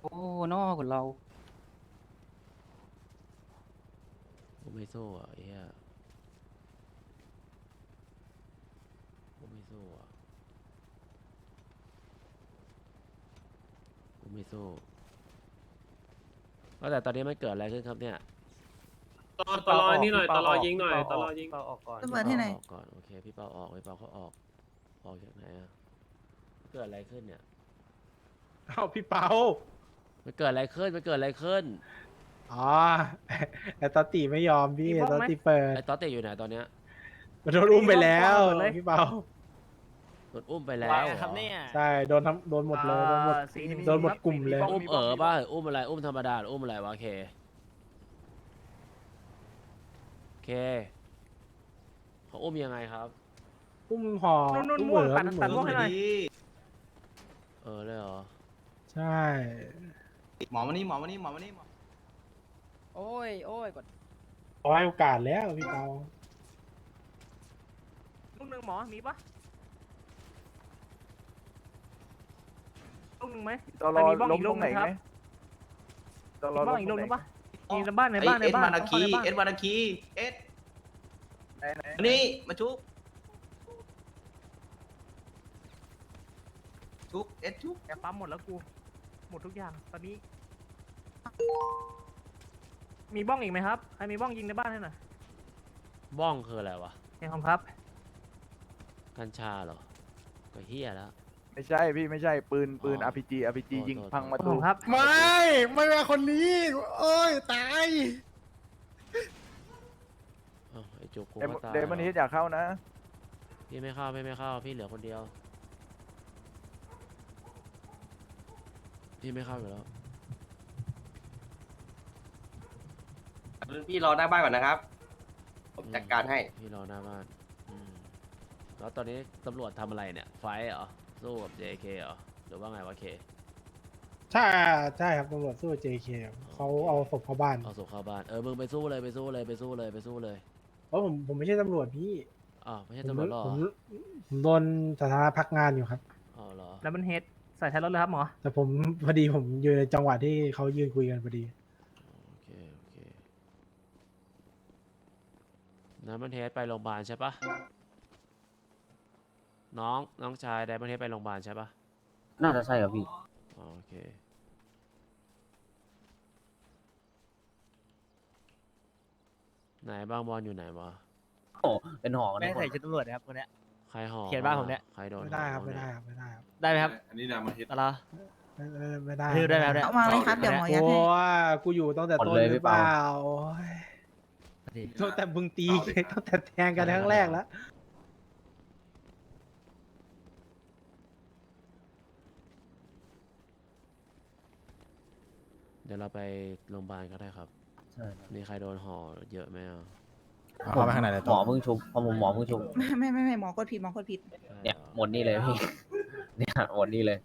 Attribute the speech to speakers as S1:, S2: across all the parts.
S1: โอ้นอคนเรา
S2: กูไม่สู้อ่ะไอ้เหี้ยกูไม่สู้อ่ะกูไม่สู้ก็แต่ตอนนี้มันเกิดอะไรขึ้นครับเนี่ย
S3: ตลอนี่หน่อยตลอยิงหน่อยตลอยิง
S4: เปาออกก่อน
S5: ระเบิดที่ไหน
S2: ออกก่อนโอเคพี่เปาออกพี่เปาเขาออกจากไหนอ่ะเกิดอะไรขึ้นเนี่ย
S6: เอ้าพี่เปา
S2: มันเกิดอะไรขึ้นมันเกิดอะไรขึ้น
S6: อ๋อ ไอ้ตอตติไม่ยอมพี่ไอ้ตอตติเปิด
S2: ไอ้ต๊อตเตะอยู่ไหนตอนเนี้ย
S6: มันโดนอุ้มไปแล้วพี่เปา
S2: โดนอุ้มไปแล้ว
S4: ว่า
S2: เหรอ
S4: ครับเนี่ย
S6: ใช่โดนหมดเลยโดนหมด โดนหมดกลุ่มเลย
S2: อุ้มป่ะหรืออุ้มอะไรอุ้มธรรมดาหรืออุ้มอะไรวะเคเขาอุ้มยังไงครับ
S6: อุ้มห่อ
S4: นุ่น
S6: อุ้ม
S4: ม่วง
S6: เห
S4: ตัด
S6: มื
S4: ม่วงให้หน่อย
S2: เลยเหรอ
S6: ใช่
S7: หมอมานี่หมอมานี่หมอมานี่หมอ
S1: โอ้ยกด
S6: ขอให้โอกาสแล้วพี่เปา
S4: ลูกหนึ่งหมอมีปะลูกหนึ่งไหม
S8: ตลอ
S4: มีบ้อง
S8: ล้
S4: อี
S8: ม
S4: ก
S8: ต
S4: ลู
S8: ร
S4: ก
S8: ง
S4: ห
S8: ไหน
S4: นึ่งค
S8: ไห
S4: รั
S8: ม
S4: บ
S8: ตล
S4: มี
S8: อ
S4: บ้อง
S8: ล้ม
S4: อีก
S8: ต
S4: ลู
S8: ร
S4: ก
S8: ง
S4: ห
S8: ไหน
S4: นึ่งปะมีในบ้านในบ้านใน
S7: เอ็ด
S4: บ้าน
S7: มานาคี
S4: เข้
S7: เอ็ด
S4: ใบ้
S7: มานาคีเอ็ด
S8: ไหน
S7: อันนี้มาชุบชุบเอ็ดชุบ
S4: แกปั๊มหมดแล้วกูหมดทุกอย่างตอนนี้ มีบ้องอีกไหมครับใครมีบ้องยิงในบ้านให้หน่อย
S2: บ้องคืออะไรวะ
S4: เฮ้ยครับ
S2: กัญชาเหรอก็เฮียแล้ว
S8: ไม่ใช่พี่ไม่ใช่ปืน
S2: อ๋อ
S8: RPG ยิง
S2: โทษ
S8: พังประ
S4: ขอบ
S8: ตู
S4: คุณครับ
S6: ไม่เป็นคนนี้โอ้ยตาย
S2: อ้าวไอ้จุกกู
S8: เด
S2: ก็ตาย
S8: เดมอนฮิตอยากเข้านะ
S2: พี่ไม่เข้าพี่เหลือคนเดียวพี่ไม่เข้าอยู่แล้ว
S7: พี่รอหน้าบ้านก่อนนะครับ ผมจัดการให้
S2: พี่รอหน้าบ้านแล้วตอนนี้ตำรวจทำอะไรเนี่ยไฟท์เหรอสู้กับ JK เหรอหรือว่าไงวะเค
S6: ใช่ครับตำรวจสู้ JK เขาเอาศพเข้าบ้าน
S2: เอาศพเข้าบ้านมึงไปสู้เลย
S6: เพราะผมไม่ใช่ตำรวจพี่
S2: อ้าวไม่ใช่
S6: ผม
S2: ตำรวจหรอ
S6: ผมโดนสถานะพักงานอยู่ครับ
S2: อ๋อเหรอ
S4: แล้วมันเฮดใส่ท้ายรถเลยครับหมอ
S6: แต่ผมพอดีผมอยู่ในจังหวะที่เขายืนคุยกันพอดี
S2: โอเคน้ำมันเทสไปโรงพยาบาลใช่ปะน้องชายไดมอนเทสไปโรงพยาบาลใช่ปะ
S1: น่าจะใช่ครับพี่
S2: อ๋อโอเคไหนบางบอลอยู่ไหนวะ
S1: เป็นหอ
S4: ไม่ใส่ชุดตำรวจนะครับคนเนี้ย
S2: ใครห่อ
S4: เขียนบ้านผมเนี่ย
S2: ใครโดน
S6: ไม่ได้ครับ
S2: ห่อ
S6: ไม่
S2: เนี่ย
S6: ได้ครับไม่ได้ครับ
S4: ได้ไหมครับ
S7: อันนี้นามาฮิต
S4: อะไร
S6: ไม่ได้
S4: ทืบได้แล้วเนี่ย
S5: เอามาเลยครับ เดี๋ยวหมอยัด
S6: โอ้
S5: ให้
S6: ยกูอยู่ตั้งแต่ต้นหรือเปล่าโอ้ยตั้งแต่มึงตีตั้งแต่แทงกันครั้งแรกแล้ว
S2: เดี๋ยวเราไปโรงพยาบาลก็ได้ครับ
S1: ใช่
S2: มีใครโดนห่อเยอะไหมอ่ะ
S1: เข้าไปข้างในเลยหมอเพิ่งชุบพอผมหมอเพิ่งชุบ
S5: ไม่หมอกดผิดหมอกดผิด
S1: เนี่ยหมดนี่เลยพี่ เนี่ยหมดนี่เลย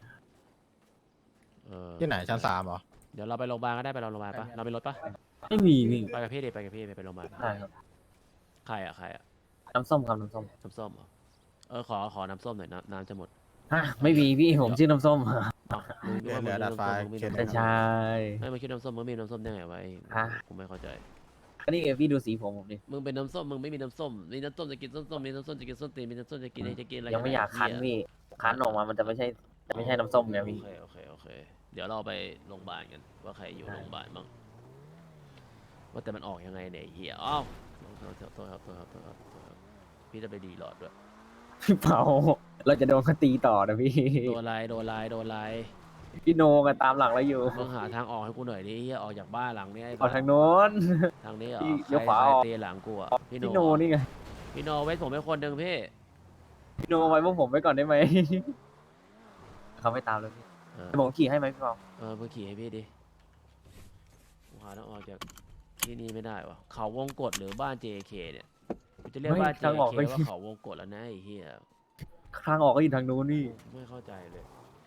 S9: ที่ไหนชั้น3เหรอ
S2: เดี๋ยวเราไปโรงพยาบาลก็ได้ไปโรงพยาบาลปะเราไปรถปะ
S1: ไม่มีพี่
S2: ไปกับพี่ดิไปโรงพยาบาล
S1: ได้ครับ
S2: ใครอ่ะ
S1: น้ำส้มครับน้ำส้ม
S2: น้ำส้มเหรอขอน้ำส้มหน่อยน้ำจะหมด
S1: ฮะไม่มีพี่ผมชื่อน้ำส้ม
S2: อ้าวมึงนึกว่า
S9: เหลือดาดฟ้า
S2: มึงมี
S9: เขียน
S2: น้ำส้ม
S1: ใช่
S2: ไม่มาคิดน้ำส้มมึงมีน้ำส้มได้ไงวะ
S1: ฮะ
S2: กูไม่เข้าใจ
S1: ก็นี่ไงพี่ดูสีผมดิ
S2: มึงเป็นน้ำส้มมึงไม่มีน้ำส้มมีน้ำส้มจะกินส้มมีน้ำส้มจะกินส้มตีนมีน้ำส้มจะกินอะไร
S1: ยังไม่อยากคั้นพี่คั้นออกมามันจะไม่ใช่น้ำส้มไงพี่
S2: โอเคเดี๋ยวเราไปโรงพยาบาลกันว่าใครอยู่โรงพยาบาลบ้างว่าแต่มันออกยังไงเนี่ยไอ้เฮียอ้าวโทษครับพี่จะไปดีหลอดด้วย
S1: พี่เปาเราจะโดนคตีต่อนะพี่
S2: โดนไล่
S1: พี่โนกันตามหลังเราอยู่
S2: มึงหาทางออกให้กูหน่อยดิเฮียออกจากบ้านหลังนี้ไอ้
S1: เอาทางโน้น
S2: ทางนี้เหรอ
S1: พี่
S2: ใค
S1: เลี้
S2: ร
S1: ยวขวาออก
S2: ตีหลังกูอ่ะ
S1: พี่โนนี่ไง
S2: พี่โนเว้นผมเป็นคนหนึ่งพี่
S1: พี่โนไว้พวกผมไว้ก่อนได้ไหม เขาไม่ตามเลยพี่
S2: เออ
S1: ให้ผมขี่ให้ไหมพี่เปา
S2: มึงขี่ให้พี่ดิกูหาทางออกจากที่นี่ไม่ได้วะเขาวงกตหรือบ้าน JK เนี่ยกูจะเรียกบ้าน JK ว่าเขาวงกตแล้วนะไอ้เหี้ย
S1: ทางออกก็อยู่ทางนู้นนี่
S2: ไม่เข้าใจเลย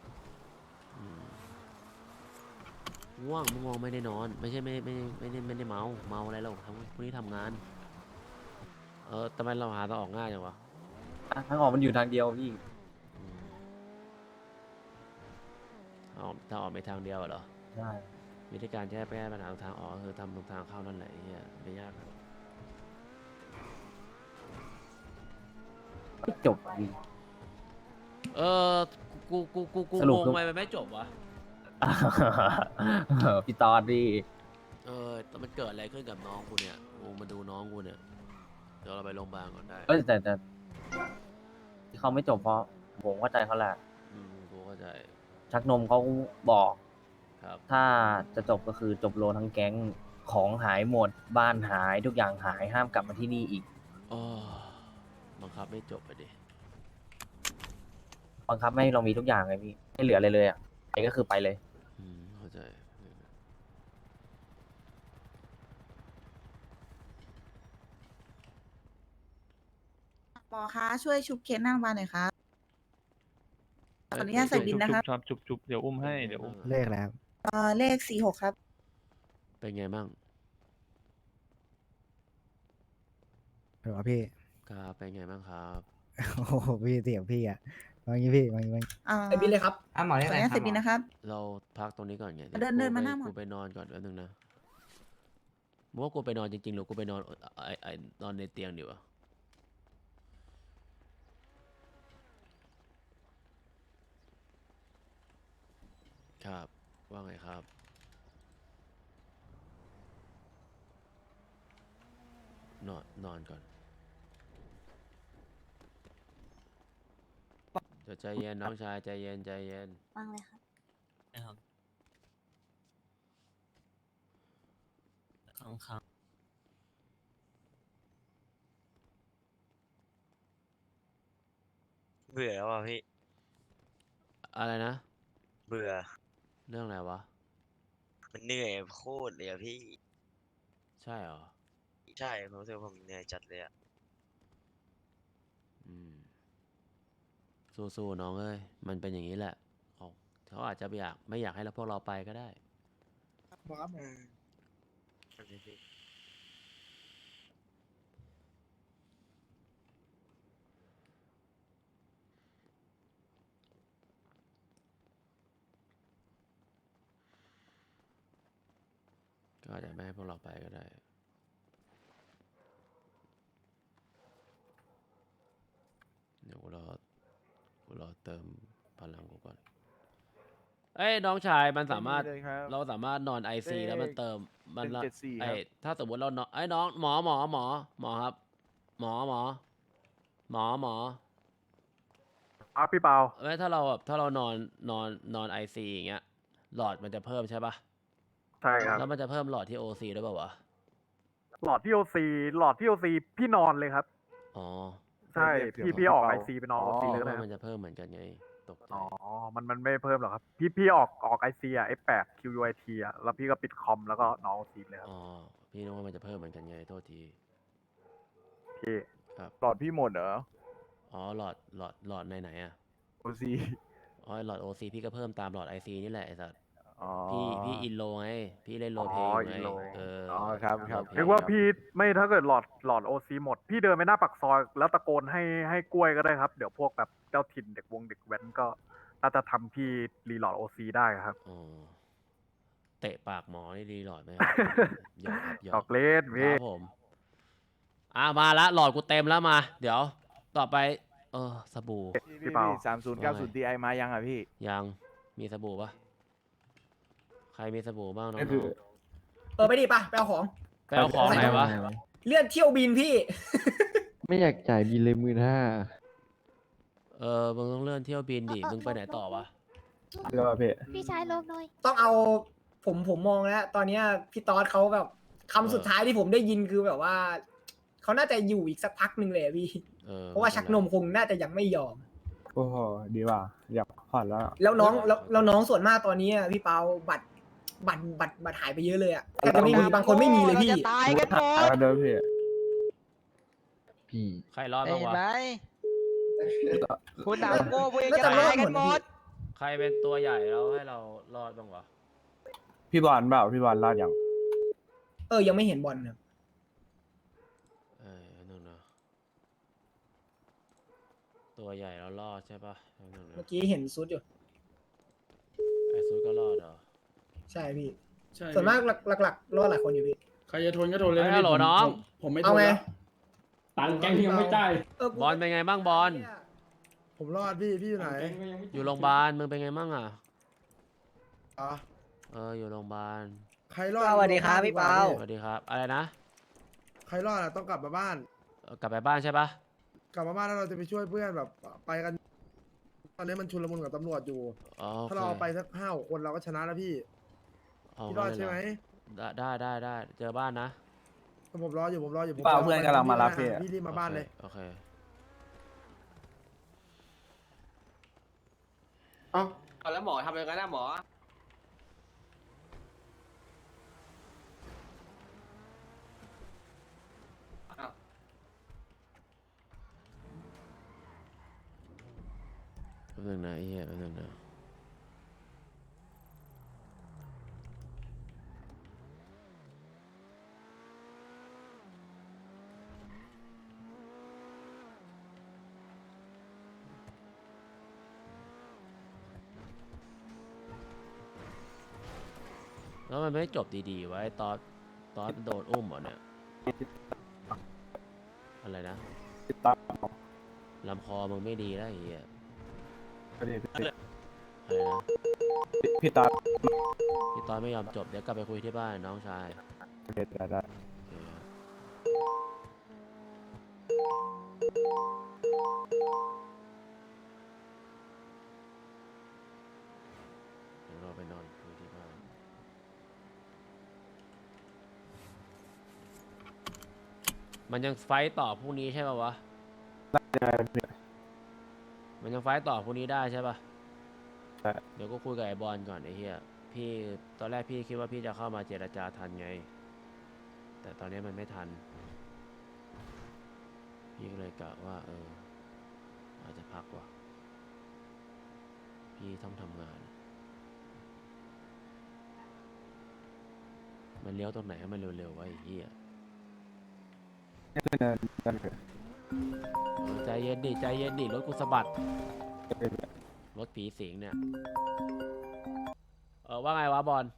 S2: ง่วงมึงไม่ได้นอน ไม่ใช่ไม่ได้เมาอะไรหรอกพรุ่งนี้ทำงานทำไมเราหาทางออกง่ายจังวะ
S1: ทางออกมันอยู่ทางเดียวพี่
S2: ทางออกไปทางเดียวเหรอ
S1: ใช่
S2: วิธีการแก้ปัญหาทางออกก็คือทำตรงทางเข้านั่นแหละไอ้เหี้ยไม่ยากหรอก
S1: ไม่จบดี
S2: เออกู
S1: สรุป
S2: งง
S1: คือ
S2: ไปมันไม่จบวะ
S1: พี่ตอนดิ
S2: แต่มันเกิดอะไรขึ้นกับน้องกูเนี่ยกูมาดูน้องกูเนี่ยเดี๋ยวเราไปโรงพยาบาลก่อนได้
S1: เอ้ยแต่ที่เขาไม่จบเพราะผมเข้าใจเขาแหละ
S2: กูเข้าใจ
S1: ชักนมเขาบอก
S2: ครับ
S1: ถ้าจะจบก็คือจบโลทั้งแก๊งของหายหมด บ้านหายทุกอย่างหายห้ามกลับมาที่นี่อีก
S2: อ๋อบังคับไม่จบไปดิ
S1: บังคับไม่ให้เรามีทุกอย่างไงพี่ไม่เหลืออะไรเลยอ่ะไปก็คือไปเลย
S2: เข้าใจ
S5: หมอคะช่วยชุบเคสหน้าโรงพยาบาลหน่อยครับขออนุญาตใส่บินนะครับ
S6: จุบเดี๋ยวอุ้มให้เดี๋ยวอุ้ม
S8: เลขแล้ว
S5: เลข46ครับ
S2: เป็นไงบ้าง
S9: หรอพี่
S2: ครับเป็นไงบ้างครับ
S9: โอ้โหพี่เสียงพี่อ่ะวางงี้พี่วางงี้
S5: ใส่บินเลยครับ
S7: หมอ
S5: ขออนุญาตใส่บินนะครับ
S2: เราพักตรงนี้ก่อนไง
S5: เดินมาหน้าหมอ
S2: กูไปนอนก่อนแป๊บนึงนะมึงว่ากูไปนอนจริงๆหรือกูไปนอนนอนในเตียงดีวะครับว่าไงครับ นอนก่อนเดี๋ยวใจเย็นน้องชายใจเย็นใจเย็น
S5: วางเลยครับ
S10: เบื่อแล้วอ่ะพี่
S2: อะไรนะ
S10: เบื่อ
S2: เรื่องอะไรวะ
S10: มันเหนื่อยโคตรเลยอ่ะพี่
S2: ใช่เหรอ
S10: ใช่ผมรู้สึกว่าผมเหนื่อยจัดเลยอ่ะ
S2: อืมสู้ๆน้องเอ้ยมันเป็นอย่างนี้แหละเขาอาจจะไม่อยากให้พวกเราไปก็ได้
S10: อืมนั่นสิพี่
S2: ก็อาจจะไม่ให้พวกเราไปก็ได้ เดี๋ยวกูรอเติมพลังกูก่อน เอ้ยน้องชายมันสามารถ
S8: ไม่มีเลยครับ
S2: เราสามารถนอนไอซีแล้วมันเติมมันละ
S8: 174
S2: ไอ
S8: ครับ
S2: ถ้าสมมติเรานอนไอ้น้องหมอครับหมอ
S6: พี่เปา
S2: ไม่ถ้าเราแบบถ้าเรานอนไอซีอย่างเงี้ยหลอดมันจะเพิ่มใช่ปะ
S6: ใช่ครับ
S2: แล้วมันจะเพิ่มหลอดที่โอซีด้วยเปล่าวะ
S6: หลอดที่โอซีพี่นอนเลยครับ
S2: อ๋อ
S6: ใช่
S8: เดี๋ยว
S6: พี่ออก
S8: เปา
S6: ไอซีไปนอนโอซีเลยก็ได้
S2: ว่า
S6: ค
S2: มั
S6: รับ
S2: นจะเพิ่มเหมือนกันไงตกใจ
S6: อ๋อมันไม่เพิ่มหรอกครับ พี่ออกไอซีอ่ะ F8 QUIT อ่ะแล้วพี่ก็ปิดคอมแล้วก็นอนโอซีเลยครับ
S2: อ๋อพี่นึกว่ามันจะเพิ่มเหมือนกันไงโทษที
S6: พี่
S2: ครับ
S8: หลอดพี่หมดเหรอ
S2: อ๋อหลอดไหนอ่ะ
S8: โอซี
S2: อ๋อหลอดโอซีพี่ก็เพิ่มตามหลอดไอซีนี่แหละไอ้สัส
S8: อ๋อ
S2: พี่อินโลไงพี่เล่นโรลเพล
S6: อ๋
S2: ย์
S6: อ
S2: อยู่ไง
S6: อินโล
S8: อ๋อครับครับ
S2: โลเพลย์
S6: นึกว่าพี่ไม่ถ้าเกิดหลอดโอซีหมด พี่เดินไปหน้าปากซอยแล้วตะโกนให้กล้วยก็ได้ครับ เดี๋ยวพวกแบบเจ้าถิ่นเด็กแว้นก็น่าจะทำพี่รีโหลอดโอซีได้ครับ
S2: อ๋อเตะปากหมอนี่ดีหลอดไหมครับหยอกครับหย
S6: ต
S2: อ
S6: อก กเล่น
S2: ค
S6: พี่
S2: รับผมมาละหลอดกูเต็มแล้วมา เดี๋ยวต่อไปสบู่
S6: พี่เปา
S8: 3090 Ti มายังอ่ะพี่
S2: ยังมีสบู่ปะใครมีสบู่บ้างน้อง
S11: ไปดิป่ะไปเอาของ
S2: ๆไปเอาของไหนวะ
S11: เลื่อนเที่ยวบินพี่
S9: ไม่อยากจ่ายบินเลย15,000
S2: มึงต้องเลื่อนเที่ยวบินดิมึงไปไหนต่อวะ
S5: พี่ชายลบหน่อย
S11: ต้องเอาผมมองแล้วตอนเนี้ยพี่ตอดเขาแบบคำสุดท้ายที่ผมได้ยินคือแบบว่าเขาน่าจะอยู่อีกสักพักหนึ่งเลยอะพี่ เพราะว่าชักนมคงน่าจะยังไม่ยอม
S9: โอ้โหดีว่ะอยากผ่อนแล้ว
S11: แล้วน้องส่วนมากตอนนี้อะพี่เปาบัตรหายไปเยอะเลยอะแต่จะไม่มีบางคนไม่มีเลยพี่
S8: ตายกันหมด
S9: เดิมพี่
S2: ใครรอดบ้างวะ
S8: คุณหนาวโง่พวกเอง
S11: น่า
S8: จะ
S11: จะรอ
S8: ตา
S11: ด
S8: ย
S11: ห
S8: กั
S11: ม
S8: น
S11: ด
S8: หม
S11: นะพี่
S8: ด
S2: ใครเป็นตัวใหญ่แล้วให้เรารอดบ้างวะ
S9: พี่บอลเปล่าพี่บอลรอดยัง
S11: ยังไม่เห็นบอลครับ
S2: นั่นนะตัวใหญ่แล้วรอดใช่ปะนั่นนะ
S11: เมื่อกี้เห็นซุดอยู่
S2: ไอซุดก็รอดเหรอ
S11: ใช่พี่
S3: ใช่
S11: ส่วนมากหลักๆรอดหลายคนอยู่พี่
S3: ใครจะทนก็ทนเลย
S2: เฮ้ย
S3: นะ
S2: ฮัลโหล
S3: พี่
S2: น้อง
S3: ผมไม่ท
S11: เอา
S3: น
S11: ไง
S3: แล้วตังค์แก๊งยังไม่จ่าย
S11: กู
S2: บอลเป็นไงบ้างบอล
S10: ผมรอดพี่อยู่ไหน
S2: อยู่โรงพยาบาลมึงเป็นไงบ้างอ่ะ
S10: อ๋อ
S2: อยู่โรงพยาบาล
S10: ใครรอด
S8: สวัสดีครับพี่เปา
S2: สวัสดีครับ อะไรนะ
S10: ใครรอดอะต้องกลับมาบ้าน
S2: กลับไปบ้านใช่ปะ
S10: กลับมาบ้านแล้วเราจะไปช่วยเพื่อนแบบไปกัน ตอนนี้มันชุลมุนกับตำรวจอยู่
S2: อ๋อโอ
S10: ถ้า
S2: เค
S10: เราเอาไปสัก5-6 คนเราก็ชนะแล้วพี่ พี่รอดใช่ไหม
S2: ได้เจอบ้านนะ
S10: ผมรออยู่ผมรออยู่ผม
S9: เปล่าเพื่อนกำลังมารับพี่
S10: พี่รีบมาบ้านเลย
S2: โอเค
S7: เอ้าเอาแล้วหมอทำยังไงนะหมอ
S2: แป๊บนึงนะไอ้เหี้ยแป๊บนึงนะแล้วมันไม่จบดีๆไว้ตอนมันโดนอุ้มเหรอเนี่ย อะไรนะ ลำคอมึงไม่ดีแล้วไอ้เหี้ยอะไรนะ
S9: พี่ตา
S2: พี่ตอนไม่ยอมจบเดี๋ยวกลับไปคุยที่บ้านน้องชาย
S9: ได้
S2: โอเคเดี๋ยวเราไปนอนคุยที่บ้าน มันยังไฟต์ต่อพรุ่งนี้ใช่ป่าววะ มันยังไฟต์ต่อพรุ่งนี้ได้ใช่ป่ะ
S9: ใช่
S2: เดี๋ยวก็คุยกับไอ้บอลก่อนไอ้เหี้ย พี่ตอนแรกพี่คิดว่าพี่จะเข้ามาเจรจาทันไง แต่ตอนนี้มันไม่ทัน พี่ก็เลยกะว่าอาจจะพักว่ะ พี่ต้องทำงาน มันเลี้ยวตรงไหนให้มันเร็วๆวะไอ้เหี้ย ใจเย็นดิรถกูสะบัด รถผีสิงเนี่ย ว่าไงวะบอล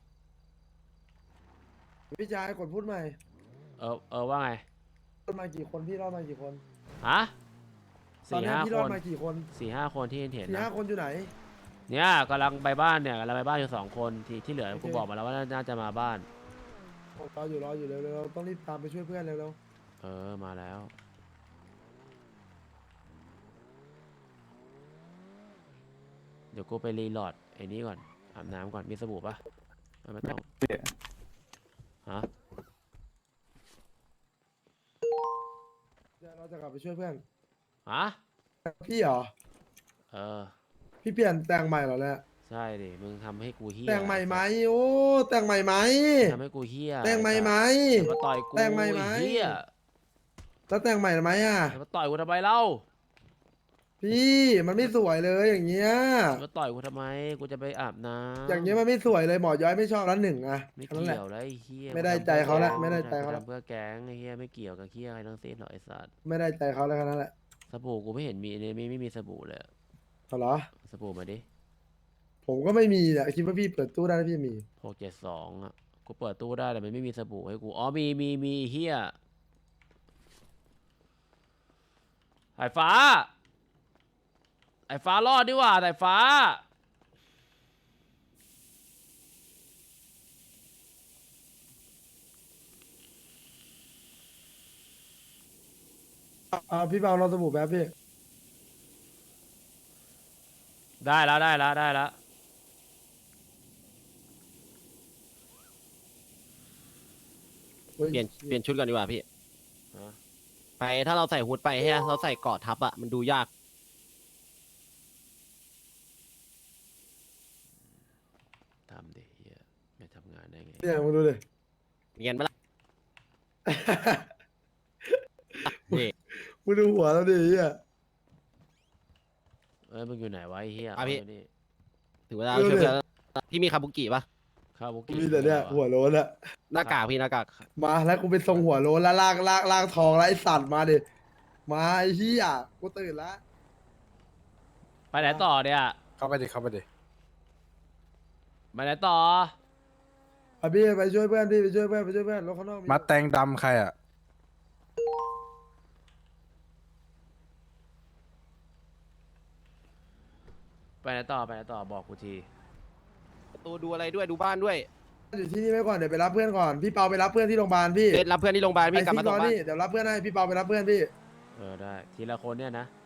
S10: พี่ชายกดพูดใหม่
S2: ว่าไง
S10: รอดมากี่คนพี่รอดมากี่คน
S2: ฮะ
S10: ตอน
S2: สี่
S10: นี้
S2: ห้า
S10: พี่
S2: ค
S10: รอด
S2: น
S10: มากี่คน
S2: 4-5 คนที่เห็น
S10: สี่
S2: นะ
S10: ห้าคนอยู่ไหน
S2: เนี่ยกำลังไปบ้านเนี่ยกำลังไปบ้านอยู่2 คนที่เหลือ
S10: โอเค
S2: กูบอกมาแล้วว่าน่าจะมาบ้าน
S10: ผมรออยู่เร็วๆต้องรีบตามไปช่วยเพื่อนเร็ว
S2: มาแล้ว เดี๋ยวกูไปรีโหลดไอ้นี้ก่อน อาบน้ำก่อน มีสบู่ปะไม่ต้อง ฮะ
S10: ๆเดี๋ยวเราจะกลับไปช่วยเพื่อน
S2: ฮะ
S10: พี่เหรอ พี่เปลี่ยนแต่งใหม่เหรอเนี่ย
S2: ใช่ดิ มึงทำให้กูเฮี้ย
S10: แต่งใหม่ไหมโอ้แต่งใหม่ไหม
S2: ทำให้กูเฮี้ย
S10: แต่งใหม่ไหม
S2: อย่ามาต่อยกู
S10: แต่งใหม่ไหม
S2: อ้เฮี้ย
S10: แล้วแต่งใหม่ไหมอ่ะ
S2: อย่ามาต่อยกูทำไมเล่า
S10: พี่มันไม่สวยเลยอย่างเงี้ย
S2: อย่ามาต่อยกูทำไม กูจะไปอาบน้ำ
S10: อย่างเงี้ยมันไม่สวยเลยหมอย้อยไม่ชอบแล้วหนึ่งอะ
S2: ไม่
S10: แค่นั้นแหละ
S2: เกี่ยวแล้วไอ้เฮี้ย
S10: ไม่ได้ใจเขาละไม่ได้ใจเขาละ
S2: ทำเพื่อแก๊งไอ้เฮี้ยไม่เกี่ยวกับเฮี้ยอะไรทั้งสิ้นหรอกไอ้สัตว์
S10: ไม่ได้ใจเขาแล้วแค่นั้นแหละ
S2: สบู่กูไม่เห็นมีไม่มีสบู่เลยอะ
S10: เอาเหรอ
S2: สบู่มาดิ
S10: ผมก็ไม่มีอะคิดว่าพี่เปิดตู้ได้แล้วพี่มี
S2: 672อ่ะ กูเปิดตู้ได้แต่มันไม่มีสบู่ให้กู อ๋อมีเฮียสายฟ้า ไอ้ฟ้ารอดดีกว่าสายฟ้า
S10: พี่เปาเราสบู่แป๊บพี่
S2: ได้แล้ว
S10: เฮ้ย
S8: เปลี่ยนชุดก่อนดีกว่าพี่
S2: ฮะ
S8: ไปถ้าเราใส่ฮูดไปใช่ไหมเราใส่เกราะทับอะมันดูยาก
S2: ทำดิเฮียไม่ทำงานได้ไง
S10: เนี่ยมึงดูดิ
S8: เรียนไหมล่ะ นี่
S10: มึงดูหัวเราดิอ่ะ
S2: มึงอยู่ไหนวะไอ้เฮีย
S8: อ่ะพี่
S2: เอาไว้นี่
S8: ถึงเวลาเราช่วยเพื่อนพี่มีคาบุกิปะ
S2: ข้าวบุกี้
S10: มีแต่เนี่ย
S2: อะไร
S10: หัว
S2: วะ
S10: โล้นอะ
S8: หน้ากากพี่หน้ากาก
S10: มาแล้วกูเป็นทรงหัวโล้นแล้วลากทองแล้วไอสัตว์มาดิมาไอ้เหี้ยกูตื่นละ
S2: ไปไหนต่อเนี่ย
S8: เข้าไปดิ
S2: ไปไหนต่อ
S10: พี่ไปช่วยเพื่อนพี่ไปช่วยเพื่อนไปช่วยเพื่อนรถข้างนอก
S9: มาแตงดำใครอ่ะ
S2: ไปไหนต่อไปไหนต่อบอกกูที
S8: ตัวดูอะไรด้วยดูบ้านด้วย
S10: อยู่ที่นี่ไว้ก่อนเดี๋ยวไปรับเพื่อนก่อนพี่เปาไปรับเพื่อนที่โรงพยาบาลพี่
S8: เดทรับเพื่อนที่โรงพยาบาล
S10: ไอ้
S8: พี่กลับ
S10: ซิ
S8: มาก ต
S10: ร
S8: ร
S10: อง
S8: บ้าน
S10: นี่เดี๋ยวรับเพื่อนให้พี่เปาไปรับเพื่อนพี่
S2: ได้ทีละคนเนี่ยนะ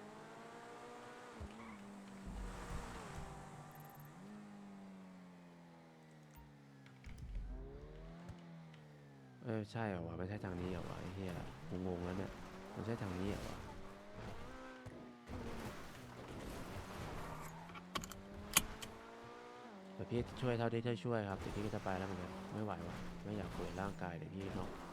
S2: ใช่เหรอวะไม่ใช่ทางนี้เหรอวะไอ้เหี้ยงงๆแล้วเนี่ยไม่ใช่ทางนี้เหรอวะแต่พี่ช่วยเท่าที่ช่วยครับแต่พี่ก็จะไปแล้วเหมือนกันไม่ไหววะไม่อยากฝืนร่างกายเดี๋ยวพี่เนาะ